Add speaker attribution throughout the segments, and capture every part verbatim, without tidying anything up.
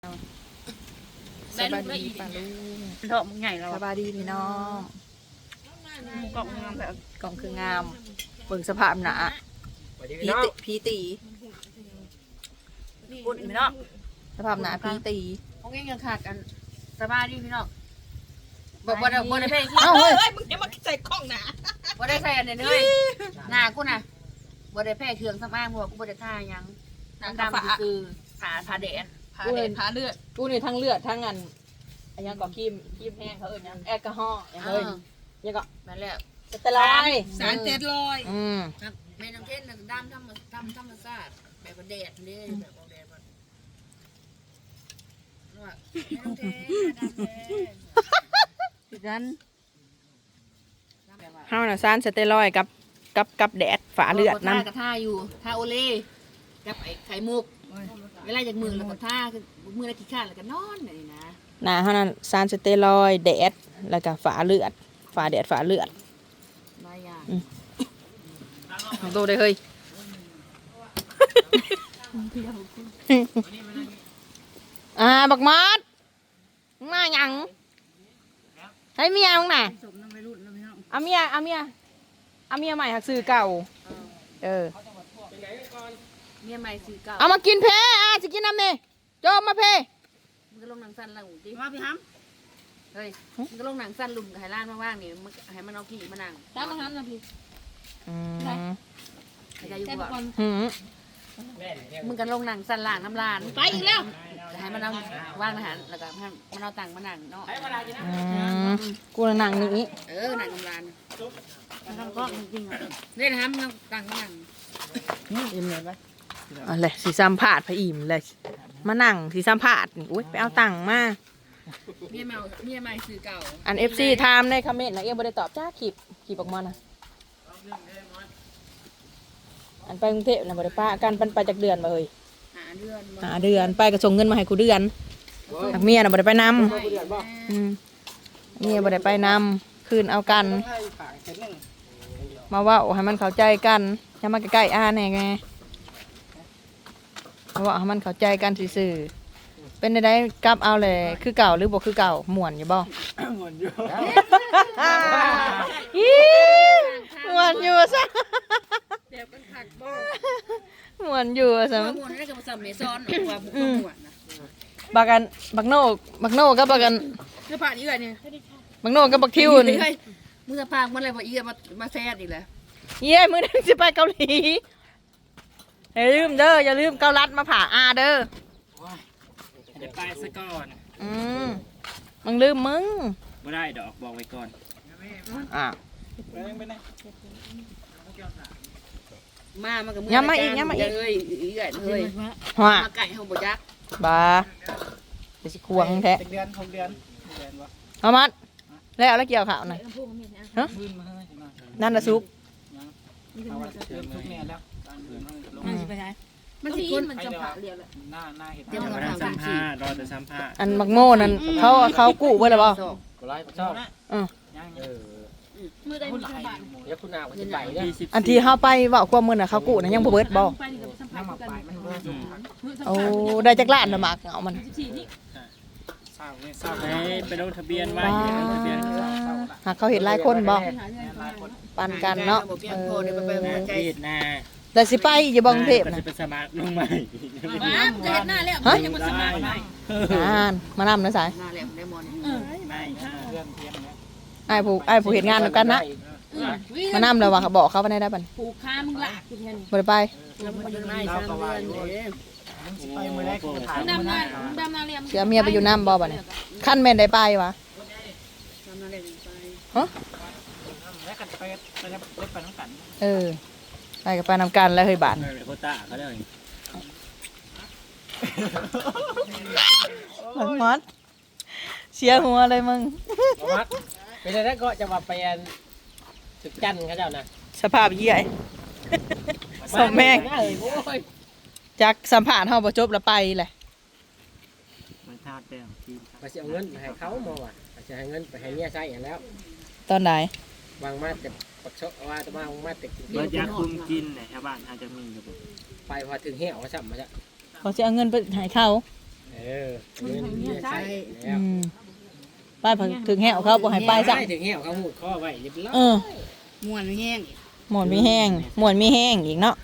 Speaker 1: สบายดีป่าลุง
Speaker 2: ดอกมึงใหญ่แล้ว
Speaker 1: สบายดีพี่น้อง
Speaker 2: กล่องงามแบบ
Speaker 1: กล่องคืองามเบิ่งสภาพหนาพีตีพีตี
Speaker 2: ปุ่นพี่น้อง
Speaker 1: สภาพหนาพีตี
Speaker 2: พวกนี้ยังขาดกันสบายดีพี่น้องบอกว่าบ่ได้เพลง
Speaker 1: เอ้าเฮ้ย
Speaker 3: มึงจะมาใส่กล้องนะ
Speaker 2: บ่ได้ใส่อันนี้เลยหน้ากูน่ะบ่ได้แพ้เครื่องสำอางบ่กูบ่ได้ทาหยังน้ำดำคือผาผาแดด
Speaker 3: พาเด็ดพาเลือด
Speaker 1: กูนี่ทั้งเลือดทั้งอันอันยังก็ครีมครีมแห้งเขาเอิ้นหยังแอลกอฮอล์ยังเอ้ยยังก็
Speaker 2: นั่นแหละ
Speaker 1: สเตอร์ไลน์
Speaker 3: สารเจ็ดลอย
Speaker 1: อืม
Speaker 2: แม่น้ำเทศน่ะดำธรรมธรรมธรรมชาติแบบว่าแดดนี่แบบว่าแดดมันว่าแม่น้ำเทศดำแดดคือกัน
Speaker 1: เฮาน่ะซานสเตียรอยด์กับกับกับแดดฝาเลือด
Speaker 2: ท่า
Speaker 1: นำ
Speaker 2: กับท่าอยู่ท่าโอเล่กับไอ้ไข่มุกเวลาจากมือแล้วก็ท่าคือมือแล้วขี้ข้านแล้วก็นอนนี่นะ
Speaker 1: หน้าเฮานั้นซานสเตียรอยด์แดดแล้วก็ฝาเลือดฝาแดดฝาเลือด
Speaker 2: หลายอย่าง
Speaker 1: ของโตได้เฮ้ย อ่าบักมอดมึงมาหยังใช้เมียมึงน่ะ
Speaker 2: สมน้ำไม่รุ่นน้ำไม่เอา
Speaker 1: เอาเมียเอาเมียเอาเมียใหม่หักซื้อเก่าเออ
Speaker 2: เมียใหม่ซื้อเก่า
Speaker 1: เอามากินเพอ่ะจะกินน้ำนี่โจมมาเพ
Speaker 2: มึงก็ลงหนังสั้นละหูดิ
Speaker 3: มาพี่ฮัม
Speaker 2: เฮ้ยมึงก็ลงหนังสั้นลุมกับไฮร้านว่างๆนี่มึงให้มันเอาขี้มานั่ง
Speaker 3: ตามมาฮัมนะพี่
Speaker 1: อืม
Speaker 2: ให้ใจอยู่
Speaker 3: แค่
Speaker 2: บ่
Speaker 3: ก่อน
Speaker 1: หืม
Speaker 2: มึงก็ลงหนังสั้นล่างน้ำลาน
Speaker 3: ไปอีกแล้ว
Speaker 2: ให้มันเอาว่างอาหารแล้วก็ให้มันเอาตังค์มานั่งเนาะ
Speaker 1: อืมกูน่ะนั่งนี่
Speaker 2: เออหนังน้ำลานมันทำก็จริงๆเล่นห้ามเอาตังค์มานั่ง
Speaker 1: อะไรสีซ้ำผาดพระอิ่มเลยมานั่งสีซ้ำผาดนี่อุ้ยไปเอาตังค์มา
Speaker 2: เมียใหม่เมียใหม่ซื้อเก่า
Speaker 1: อันเอฟซีถามในคอมเมนต์นะเอ็มบ่ได้ตอบจ้าขีบขีบออกมานะอันไปกรุงเทพนะบ่ได้ป้ากันปันไปจากเดือนมาเลย
Speaker 2: หาเดือน
Speaker 1: หาเดือนไปก็ส่งเงินมาให้กูเดือนหักเมียน่ะบ่ได้ไปนำอืมเมียบ่ได้ไปนำคืนเอากัน มาเว่าให้มันเข้าใจกันอย่ามาใกล้ๆอาแน่ไงมาเว่าให้มันเข้าใจกันซื่อๆเป็นได้กลับเอาเลยคือเก่าหรือบ่คือเก่าม่วนอยู่บ่
Speaker 4: หมดอยู่
Speaker 1: อีม่วนอยู่ซะ
Speaker 2: เดี๋ยวกันขักบ่
Speaker 1: ม่วนอยู่ซะ
Speaker 2: ข้อมูลนั่นก็มาสมัยซ้อนว่าบุกหมวดนะ
Speaker 1: บักกันบักโนกบักโนกับบักกัน
Speaker 2: คือผ่านอีกแล้วเนี่ย
Speaker 1: บักโนกับบักทิวนี่
Speaker 2: มึงจะพางมันอะไรบ่อีมามาแซ่ดอีกแล้ว
Speaker 1: เย้มื้อนั้นสิไปเกาหลีอย่าลืมเด้ออย่าลืมเกาลัดมาผ่าอาเด้อ
Speaker 4: เดี๋ยวไปซะก่อน
Speaker 1: อืมมึงลืมมึง
Speaker 4: ไม่ได้ดอกบอกไว้ก่อน
Speaker 1: อ่ะ
Speaker 2: มามันก็
Speaker 1: ย้ำมาอีกย้ำมาอีก
Speaker 2: เอ้ยอีกเอ้ย
Speaker 1: หัว
Speaker 2: มาไก่เฮาบ่ยัก
Speaker 1: บาเดี๋ยวสิควงแท้
Speaker 4: เป็นเดือนหกเดือนเดือนวะ
Speaker 1: เอามัดแล้วแล้วเกี่ยวข่าวหน่อยฮะ
Speaker 4: พื้นมาให้มา
Speaker 1: นั่นน่ะซุก
Speaker 4: เอาไว้เดือนทุกเนี่ยแล้วการพื้นให้ลง
Speaker 1: อืม
Speaker 2: มันสิคนมันจะผ่าเรียวแหละ
Speaker 4: หน้าหน้าเห็ด
Speaker 2: เดี๋ยวเรา
Speaker 4: รอ
Speaker 2: ทำ
Speaker 4: สัมภาษณ์รอจะสัมภาษณ์
Speaker 1: อันมักโม่นั่นเขาเขากู้ไว้แล้วบ่
Speaker 5: ก็ไล่ชอบ
Speaker 1: อือ
Speaker 4: ยัง
Speaker 5: เออ
Speaker 3: มือได้
Speaker 4: พู
Speaker 3: มื
Speaker 4: ด
Speaker 3: อ
Speaker 4: หลาย
Speaker 3: บาท
Speaker 5: เดี๋ยวคุณนาก็จะไปเนี่ย
Speaker 4: ยี่สิบ
Speaker 1: อันที่เฮาไปเว้าความมื้อน่ะเขากู้น่ะยังบ่เบิดบ่
Speaker 3: ไปนี่กับสัมผั
Speaker 4: น้ำ
Speaker 3: ส
Speaker 4: หมัก
Speaker 3: กัน
Speaker 4: ไปมันเริ่ม
Speaker 3: มือสัม
Speaker 1: โอ้
Speaker 3: ผัส
Speaker 1: ได้จักล้านน่ะหมากเอามัน
Speaker 3: สิบสี่นี่
Speaker 4: เศร้าเนี่ยเศร้าไปลงทะเบียนไว้ลงทะเบียน
Speaker 1: หากเขาเห็นหลายคนบ่
Speaker 3: หาเงินประมาณ
Speaker 1: ปันกันเนาะเออ
Speaker 4: รีดนา
Speaker 1: แต่สิไปอยู่บ่กรุงเทพ
Speaker 4: จะ
Speaker 1: น่ะ
Speaker 4: เป็นสมัครลงใหม่
Speaker 3: มาจะเห็นหน้าแล้วยังมาสมัครใหม่
Speaker 1: อ่านมานำนะสาย
Speaker 2: หน้าแหลมได้มอน
Speaker 3: เออ
Speaker 4: ไม่เรื่องเทียมเนี่ย
Speaker 1: ไอ้ผู้ไอ้ผู้เฮ็ดงานนำกันนะมานำแล้วว่าเขาบอกเขาไปได้ได้บัด
Speaker 3: ผูกค้ามึงละกูแค่นี้
Speaker 1: บ่ได้ไป
Speaker 2: แล้วมันยังไงสามเดือนเด้
Speaker 4: มึงสิไปเมื่อไรกูจะถาม
Speaker 3: มึง
Speaker 4: มึง
Speaker 3: ดำนา
Speaker 4: นะ
Speaker 3: มึงดำนาเรียม
Speaker 1: เสียเมียไปอยู่น้ำบ่บัดนี้คันแม่นได้ไปวะ
Speaker 2: ทำนั่นแหละไป
Speaker 1: ฮะ
Speaker 4: แล้วกันไปไปแล้วไปน้องกัน
Speaker 1: เออไปกับไปนำกันแล้วเฮ้ยบาด
Speaker 4: โคต้าเขาได้
Speaker 1: หลังมัดเสียหัวเลยมึง
Speaker 5: มักเป็นอะไรก็จะมาไปอันสุดจันทร์เขาเจ้านะ
Speaker 1: สภาพเหี้ยสมแม่ง
Speaker 5: เอ้ยโอ้ย
Speaker 1: จากสัมภาษณ์เฮาบ่จบแล้วไปแหละ
Speaker 4: มันทาดแต้มทีม
Speaker 5: มาเสียเงินให้เขามาว่ะจะให้เงินไปให้เมียใช้อย่างแล้ว
Speaker 1: ตอนไหน
Speaker 5: บางมาจะปักชกว่าจะบางมาติด
Speaker 4: เบิร์ดยาคุมกินเนี่ยชาวบ้านอาจจะมีอยู่
Speaker 5: ไปพอถึงเหี้ยวเขาสั่มาจ้ะ
Speaker 1: เขาสิเอาเงินไปให้เขา
Speaker 4: ม
Speaker 5: เออเงินเมียใช้แล้ว
Speaker 1: อืมไปพอถึงแหวเขาบ่ให้ไปซะ
Speaker 5: ถึงเหี้ยวเขาหูดข้อไว้เรียบร้อย
Speaker 1: เออ
Speaker 3: ม่วนแห้ง
Speaker 1: หมอนมีแห้งหมอนมีแห้งอีกเนาะ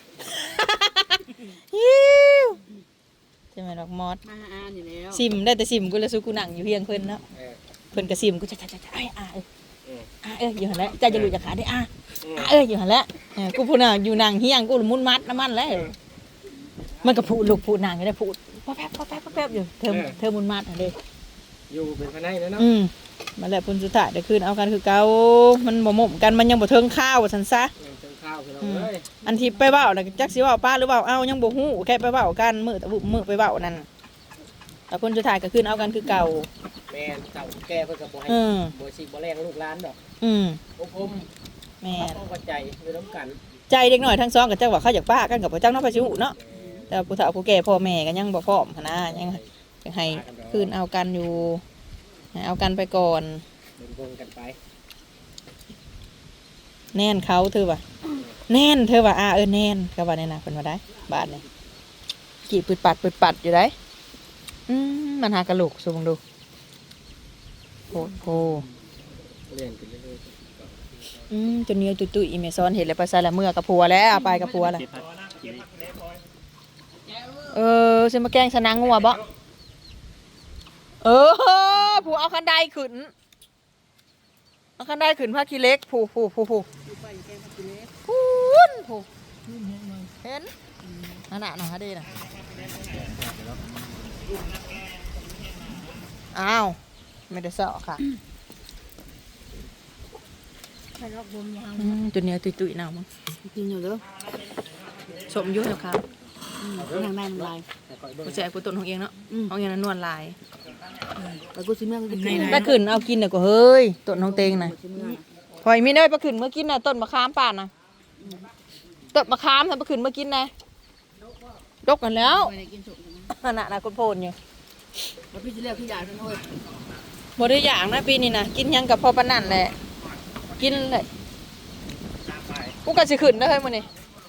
Speaker 1: ฮิวใช่ไหมดอกมอส
Speaker 3: มาหาอ่านอยู่แล้ว
Speaker 1: ซิมได้แต่ซิมกูเลยสู้กูหนังอยู่เพียงเพิ่นเนาะ
Speaker 5: เออ
Speaker 1: เพิ่นก็ซิมกูจะจะจะจะไอ้อาเอ้ย
Speaker 5: เออ
Speaker 1: อาเอ้ยอยู่หั่นแหละใจจะหลุดจากขาได้อาอาเอ้ยอยู่หั่นแหละเออกูพูดน่ะอยู่หนังเฮียงกูมุนมัดน้ำมันแล้วมันก็พูดลูกพูดหนังก็ได้พูดป๊อแป๊บป๊อแป๊บป๊อแป๊บอยู่เธอเธอมุนมัดอ่ะเด้
Speaker 5: อยู่เป็นภายในแล้วเนาะ
Speaker 1: อืมมาแล้วพุ่นสุดท้ายเดี๋ยวคืนเอากันคือเก่ามันบ่หม่มกันมันยังบ่เทิงข้าวว่าซั่นซะ
Speaker 5: เงินเติมข้าวคือเราเลย
Speaker 1: อันที่ไปเว้าน่ะจักสิเว้าป้าหรือเว้าเอายังบ่ฮู้แค่ไปเว้ากันมื้อแต่มื้อไปเว้านั่นแต่พุ่นสุดท้ายก็คืนเอากันคือเก่า
Speaker 5: แม่นเจ้าแก่เพิ่นก็บ่ให้
Speaker 1: อืม
Speaker 5: บ่สิบ่แรงลูกหลานดอก
Speaker 1: อืม
Speaker 5: โอ้ผม
Speaker 1: แม่น
Speaker 5: ต้องเข้าใจอยู่น้ำกัน
Speaker 1: ใจเด็กน้อยทั้งสองก็จักว่าเขาอยากป้ากันกับบ่จักเนาะไปสิฮู้เนาะแต่ผู้เฒ่าผู้แก่พ่อแม่ก็ยังบ่พร้อมหันนะยังยังให้คืนเอากันอยู่ให้เอากันไปก่อน
Speaker 5: เดินวงกันไป
Speaker 1: แน่นเขาเธอว่ะแน่นเธอว่ะอ่าเออแน่นก็ว่าแน่น่ะเพิ่นว่าได้บาดนี่กี่ปึดปัดปึดปัดอยู่ได้อืมมันหากระโหลกสูงดูโหโห
Speaker 5: เล่นกันเรื่อย
Speaker 1: อืมจนเนี้ยตุยตุยอีเมซอนเห็นแล้วไปใส่ละเมื่อกับผัวแล้วเอาไปกับผัวล่ะเออสิมาแกล้งสนางงัวบ่เออผัวเอาคันไดขึ้นเอาคันไดขึ้นผ้าขี้เล็กผูผูผูผูพูนผูเห็นนั่นน่ะน่ะดีน่ะอ้าวไม่ได้เสาะค่ะ
Speaker 3: ไปรอบรวมยาง
Speaker 1: อืมตัวเนี้ยตุยตุยๆหนาวมั้ง
Speaker 2: กินอยู่เด้อ
Speaker 1: สมอยุ่งแล้วครับ
Speaker 2: อืมทางในมันลาย
Speaker 1: กูแจกกูต้นของเองเนาะของเองนั้นนวลลาย
Speaker 2: แล้วกูสิเมื่อกูกิน
Speaker 1: ถ้าขึ้นเอากินน่ะก็เฮ้ยต้นของเตงน่ะ
Speaker 2: สิเมื่อ
Speaker 1: พอยมีเนยไปขึ้นเมื่อกินน่ะต้นมะขามป่านน่ะต้นมะขามทำไปขึ้นเมื่อกินน่ะดกกันแล้ว
Speaker 3: ไปได้กินสุกนะ
Speaker 1: นั่นน่ะน่ะคนโพนอยู่
Speaker 2: แล้วพี่สิเรียกพี่ยาทั้งโอ้ย
Speaker 1: บ่ได้อย่างนะปีนี้น่ะกินหยังกับพอปานนั่นแหละกินเลยกูก็สิขึ้นเด้อเฮ้ยมื้อนี้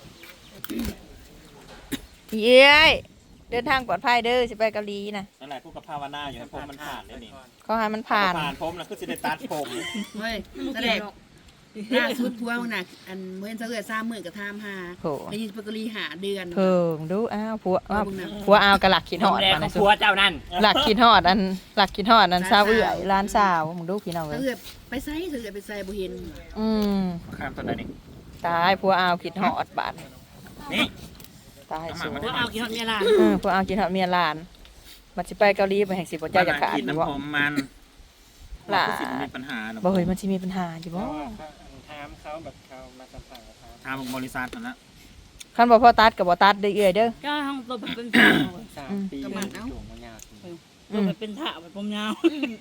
Speaker 1: เย้ยเดินทางปลอดภัยเด้อสิไปเกาหลีน่ะ
Speaker 4: นั่นแหละกูกับภาวนาอยู่ให้ผมมันผ่านได้นี่
Speaker 1: ขอให้มันผ่าน
Speaker 4: ผ่านผมแล้วคือสิได้ตัดผม
Speaker 2: เฮ้ยแสดงล่าสุดพัวมึงน่ะอันเมื่อเช้าเอื้อ3มื้อก็ถามหา
Speaker 1: โห
Speaker 2: ไปยินปกรีหาเดือน
Speaker 1: เพิ่งดูอ้าวผัวอ้าวผัวอ้าวกะหลักขินหอด
Speaker 4: แดง
Speaker 1: มา
Speaker 4: ข
Speaker 1: ใน
Speaker 4: อง
Speaker 1: สุ
Speaker 4: ผั
Speaker 1: ด
Speaker 4: วเจ้านั่น
Speaker 1: หลักขินหอดอันหลักขินหอดอันซาวเอื่อยร้านสาวมึงดูพี่น้องเล
Speaker 2: เช้าย เอื้อไปไสเช้าเอื้อไปไสบ่เห็น
Speaker 1: อืม
Speaker 4: ข้ามต้นไหนนี่
Speaker 1: ตายผัวอ้าวขินหอดบาด
Speaker 4: นี่
Speaker 1: ตายสูง
Speaker 3: ว่าเอากี่ฮอดเมียล่ะ
Speaker 1: อืมผัวอ้าวขินหอดเมียหลานบัดสิไปเกาหลีไปแห่งสิบ่เจ้าจะขาด
Speaker 4: กิน
Speaker 1: บ่
Speaker 4: น้ำผมมัน
Speaker 1: หล่ะ
Speaker 4: สิมีปัญหาเนาะ
Speaker 1: บ่เฮ้ยมันสิมีปัญหาอยู่บ่
Speaker 4: ถามเขาแบบเขามาสัมภาษณ์ถามบริษัทนั่นละ
Speaker 1: คันบ่พอตัดก็บ่ตัดเด้อเอื้อยเด้อ
Speaker 3: ก็ห้องตัวเป็นสาว
Speaker 4: สามปี
Speaker 2: ก็มันเอ้า
Speaker 4: จุ่มมันยาก
Speaker 3: ตัวเป็นถ่าแบบผมยาว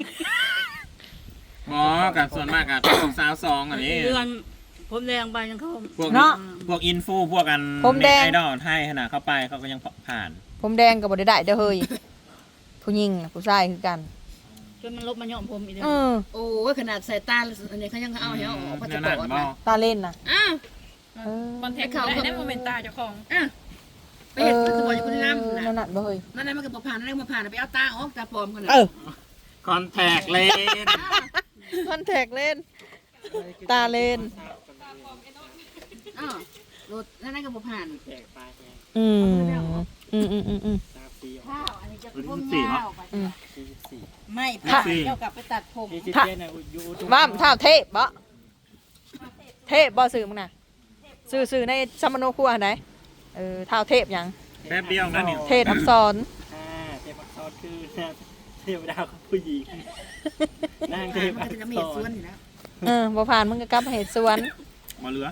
Speaker 4: หมอกับส่วนมากกับสาวสองอันนี้
Speaker 3: เดือนผมแดงไปยังเขา
Speaker 4: พวก
Speaker 1: เนาะ
Speaker 4: พวกอินฟูพวกกัน
Speaker 1: ผมแดง
Speaker 4: ไอดอลไทยขนาดเข้าไปเขาก็ยังผ่าน
Speaker 1: ผมแดงก็บ่ได้ได้เด้อเฮ้ยผู้หญิงน่ะผู้ชายคือกัน
Speaker 3: จนมันลบมาย่อมผมอีกแล้ว
Speaker 1: เออ
Speaker 2: โอ้ยขนาดสายตาอันนี้เขายังเอาให้เอาออกพาส
Speaker 4: นั่น
Speaker 2: ปอ
Speaker 4: นั่น
Speaker 2: ร์ต
Speaker 4: บอ
Speaker 2: นะ
Speaker 1: ตาเล่นน่ะ
Speaker 2: อ้าว
Speaker 1: เออ
Speaker 3: คอนเทนต์ได้ได้โมเมนต์ตาเจ้าของ
Speaker 2: อ้าวไปเห็นพาสปอร์ตอยู่คนละลำ
Speaker 1: นั่น
Speaker 2: นะ
Speaker 1: น่ะบ่เฮ้ย
Speaker 2: นั่นนั่นมันก็บ่ผ่านนั่นมันบ่ผ่านไปเอาตาออกตาปลอมกัน
Speaker 1: เออ
Speaker 4: คอนแทคเลน
Speaker 1: คอนแทคเล่น ตาเล่น
Speaker 2: อ้าวรถนั่นนั่นก็บ่ผ่าน
Speaker 4: แจกไป
Speaker 1: อืมอืมอืมอืมอืม
Speaker 4: สามปี
Speaker 3: ข้าวอันนี้จะ
Speaker 4: รุ่
Speaker 3: ผม
Speaker 4: นสี่
Speaker 3: ยา
Speaker 4: เนาะ
Speaker 3: วไป
Speaker 1: อืม
Speaker 4: สี่สิบสี่
Speaker 3: ไม่
Speaker 1: ค่ะ
Speaker 3: เจ้ากลับไปตัดผม
Speaker 4: สี่สิบเจ็ดนะอยู่ทุก
Speaker 1: ว่ามเท่าเทพบ่เทพบ่ซื้อมึงน่ะซื้อซื้อในซัมมโนครัวอันไหนเออเท่าเทพหยัง
Speaker 4: แป๊บเดียวนั่นนี่
Speaker 1: เทพอักษร
Speaker 4: อ่าเทพอักษรคือเทพดาวของผู้หญิงนางเทพ
Speaker 2: มัน
Speaker 4: อั
Speaker 2: ก็
Speaker 4: ก
Speaker 2: จะ
Speaker 4: ษ
Speaker 2: มีเหตุส่วน
Speaker 4: ร
Speaker 2: อยู่แล้ว
Speaker 1: เออบ่ผ่านมึงก็กลับมาเหตุสวน
Speaker 4: มาเหลือ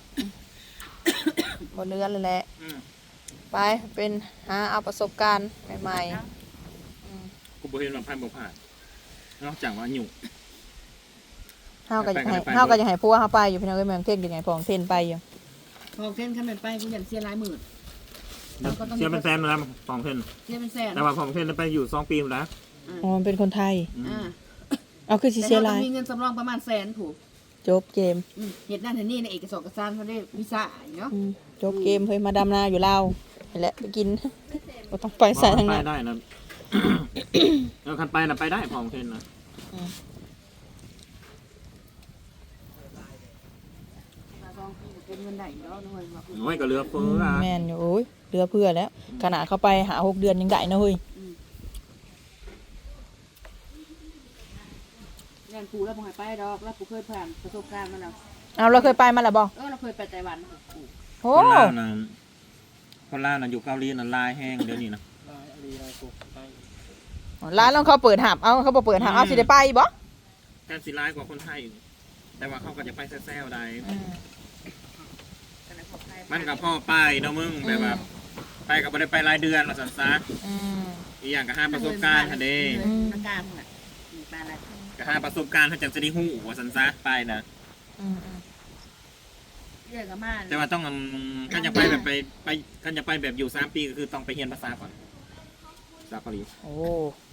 Speaker 1: บ่เรือนเลยแหละ
Speaker 4: อืม
Speaker 1: ไปเป็นหาเอาประสบการณ์ใหม่
Speaker 4: กูบ่เห็นว่าพันบ่ผ่านนอกจากว่าหยุ่
Speaker 1: ๆเฮาก็อยากให้
Speaker 4: ไปไป
Speaker 1: เฮาก็อยากให้ผัวเฮาไปอยู่พี่น้องเอ้ยแม่งเท่งอยู่ไงพองเท่นไปอยู่
Speaker 2: พอเส้นขั้นไปกูอยากเสียหลายหมื่น
Speaker 4: เชื่อเป็นแฟนมาแล้วสองเทน
Speaker 2: เสียเป็นแสน
Speaker 4: แต่ว่าสองเทนไปอยู่สองปีแล้ว
Speaker 1: อ๋อมันเป็นคนไทย
Speaker 4: อืม
Speaker 2: อ่า
Speaker 1: เอาคือสิ
Speaker 2: แต่
Speaker 1: เสีย
Speaker 2: เรา
Speaker 1: หลาย
Speaker 2: มีเงินสำรองประมาณแสนถูก
Speaker 1: จบเกม
Speaker 2: เหตุนั่นเหตุนี่ในเอกสารการเขาได้วีซ่าเนาะ
Speaker 1: อืมจบเกมเฮ้ยมาดำนาอยู่ลาวนี่แหละไปกินบ่ต้องไปใส่ทาง
Speaker 4: ไป
Speaker 1: นั้น
Speaker 4: ได้นะเออคันไปน่ะไปได้พร้อมเพนนะ
Speaker 2: ลองเป็นเงินได้เนาะหน่วยมา
Speaker 4: โอ้ยก็เหลือเฟืออ่ะ
Speaker 1: แม่นอยู่โอ้ยเรือเพื่อแล้วขนาดเขาไปหาหกเดือนยังได้นะเฮ้ย
Speaker 2: เงินกูแล้วบ่ให้ไปดอกแล้วกูเคยผ่านประสบการณ์มาแล้ว
Speaker 1: เอาเราเคยไปมาแล้วบ่
Speaker 2: เออเราเคยไปไต้หวันกู
Speaker 1: โอ้
Speaker 4: คนลาวน่ะคนลาวน่ะอยู่เกาหลีน่ะลายแห้งเดี๋ยวนี้นะ
Speaker 5: ลายอะไรลายกูไป
Speaker 1: ร้านเราเขาเปิดหับเอาเขาบ่เปิดหับเอาสิได้ไปบ่
Speaker 4: การสิร้ายกว่าคนไทยอีกแต่ว่าเขาก็จะไปแซ่ๆได้มันกับพ่อไปเนาะมึงแบบว่าไปกับบ่ได้ไปรายเดือนมาสันซะ
Speaker 1: อืม
Speaker 4: อีกอย่างก็หาประสบการณ์หั่นเด้
Speaker 2: ประการมึงอ่ะมาอะไร
Speaker 4: ก็หาประสบการณ์เขาจังจะได้ฮู้ว่าสันซะไปนะ
Speaker 1: อืมอืม
Speaker 2: เรื่องกับมา
Speaker 4: แต่ว่าต้องอืมคันอยากไปแบบไปไปคันอยากไปแบบอยู่สามปีก็คือต้องไปเรียนภาษาก่อนภาษาเกาหลี
Speaker 1: โอ้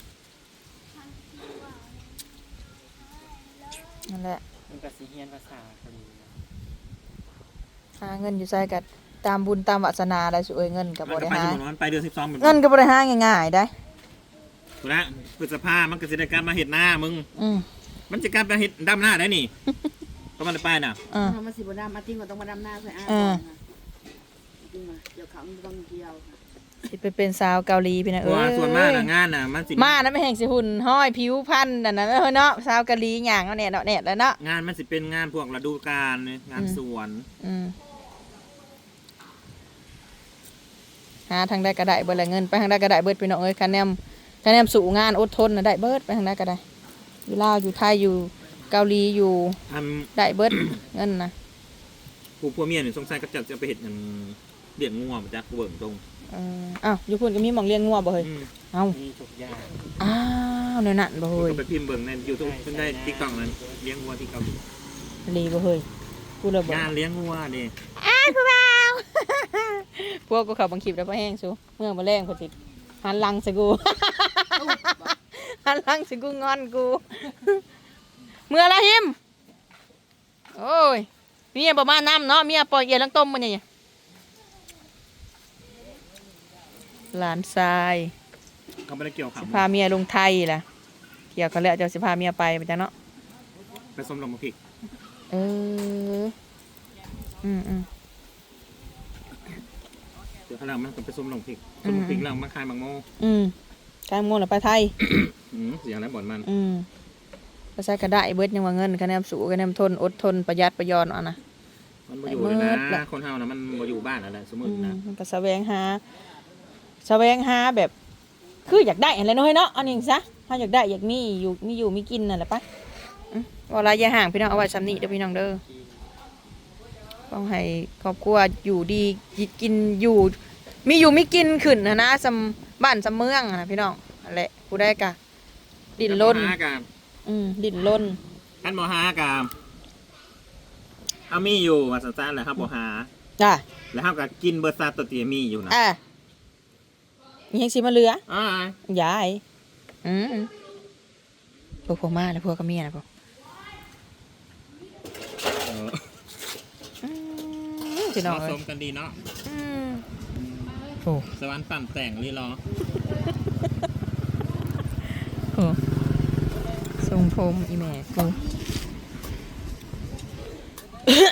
Speaker 1: นั่นแหละ
Speaker 5: มันก็สิเฮียนภาษาเกาหลีนะ
Speaker 1: หาเงินอยู่ใส่กับตามบุญตามวาสนาได้สวยเงินกับ
Speaker 4: มั
Speaker 1: บ่
Speaker 4: นก็
Speaker 1: ได้
Speaker 4: ไป
Speaker 1: หา
Speaker 4: สมมุติว่ามันไปเดือนสิบสองเหมือน
Speaker 1: เงินก็บ่ได้หาง่ายๆได้
Speaker 4: ถูกแล้วพฤษภามันก็สิได้กลับมาเฮ็ดหน้ามึง
Speaker 1: อืม
Speaker 4: มันจะกลับมาเฮ็ดดำหน้าได้นี่ ก็มันได้ไปน่ะ
Speaker 1: อ่า
Speaker 2: ทำมาสิบดำมาติ้งก็ต้องมาดำหน้าใส่อ้า
Speaker 1: เออ
Speaker 2: ติ้งมาเดี๋ยวเขาต้องเกี่ยว
Speaker 1: สิไปเป็นสาวเกาหลีพี่นะ
Speaker 4: เพ
Speaker 1: เอ้
Speaker 4: ราะว่าย ส่วนมากน่ะงานน่ะมันสิ
Speaker 1: มานะไม่แห่งสิหุ่นห้อยผิวพันธุ์นั่นน่ะเฮ้ยเนาะสาวเกาหลีหยังเอาแน่เนาะแน่แล้วเนาะ
Speaker 4: งานมันสิเป็นงานพวกฤดูกาลเนี่ยงานสวน
Speaker 1: อืมหาทางใดก็ได้เบิดละเงินไปทางใดก็ได้เบิดพี่น้องเอ้ยคะแนนคะแนนสู่งานอดทนน่ะได้เบิดไปทางใดก็ได้อยู่ลาวอยู่ไทยอยู่เกาหลีอยู่
Speaker 4: อัน
Speaker 1: ได้เบิด เงินนะ
Speaker 4: ผู้ผัวเมียนี่สงสัยก็จะจะไปเฮ็ดหยังเลี้ยงงัวบ่จักเบิ่งตรง
Speaker 1: เอออ้าวอยู่พุ่นก็มีหม่องเลี้ยงงัวบ่เฮ้ย
Speaker 4: อืม
Speaker 1: เอ้า
Speaker 5: มีทุกอย่าง
Speaker 1: อ้าวแนวนั้นบ่เฮ้ย
Speaker 4: ก็ไปพิมพ์เบิ่งใน YouTube เพิ่นได้ TikTok นั้นเลี้ยงงัวที่เกาหลี
Speaker 1: ลีบ่เฮ้ยกูเลยบ่
Speaker 4: งานเลี้ยงงัวนี่
Speaker 1: อ้าวผู้บ่าว พวกกูเข้าบังคลิปแล้วบ่แห้งซูเมื่อมาแรงพุ่นสิหันหลังใส่กู หันหลังใส่กูงอนกู เมื่อละหิมโอ้ยเมียบ่มาน้ำเนาะเมียปล่อยเอียลังต้มมันนี่หลานทราย
Speaker 4: เขาบ่ได้เกี่ยวข้าว
Speaker 1: สิพาเมียลงไทยล่ะเกี่ยวกันแล้วเจ้าสิพาเมียไปไปจ้ะเนาะ
Speaker 4: ไปสมลงมาพริก
Speaker 1: เอออืมอืม
Speaker 4: เดี๋ยวข้างหลังมันก็ไปสมลงพริกสมลงพริกแล้วมาขายบางโม
Speaker 1: อืมกลางโมงแล้วไปไทย
Speaker 4: อืมเสียแล้วบ่อนมัน
Speaker 1: อืมก็ใช้กระได้เบิดยังว่าเงินคะแนนสูงคะแนนทนอดทนประหยัดประหยอนเอานะ
Speaker 4: มันบ่อยู่เลย
Speaker 1: ไอ้เมิด
Speaker 4: นะ
Speaker 1: ล่ะ
Speaker 4: คนเฮานะมันบ่อยู่บ้านอะไรสมมุ
Speaker 1: อื
Speaker 4: ติ
Speaker 1: ม
Speaker 4: นะ
Speaker 1: มันก็แสวงหาแสวงหาแบบ คืออยากได้อะไรน้อยเนาะอันนี้ซะถ้าอยากได้อยากมีอยู่มีอยู่มีกินนั่นแหละปะอืมเวลาอย่าห่างพี่น้องเอาไว้ซ้ำนี้เด้อพี่น้องเด้อต้องให้ครอบครัวอยู่ดีกินอยู่ มีอยู่มีกินขึ้นนะนะสำบ้านสำเมืองอะนะพี่น้องนั่นแหละผู้ได้กะดินล้น
Speaker 4: หากับ
Speaker 1: อืมดินล้น
Speaker 4: ท่านบ่หากับเอามีอยู่ว่าซั่นๆแหละครับบ่หา
Speaker 1: จ้ะ
Speaker 4: แล้วเฮาก็กินเบิดซาตัวที่มีอยู่นะ
Speaker 1: อ่ะมียังสิมาเหลือ
Speaker 4: อ้าย
Speaker 1: ยายอืมพวกพวกมาแล้วพวกก็เมียนะพวก
Speaker 4: เออ
Speaker 1: อืมพี่น้อง
Speaker 4: เหมาะ
Speaker 1: เอ้
Speaker 4: ส
Speaker 1: ย
Speaker 4: มกันดีเนาะ
Speaker 1: อืมโอ้
Speaker 4: สวรรค์ปั่นแต่งลีรอ
Speaker 1: โหทรงผมอีแม่กู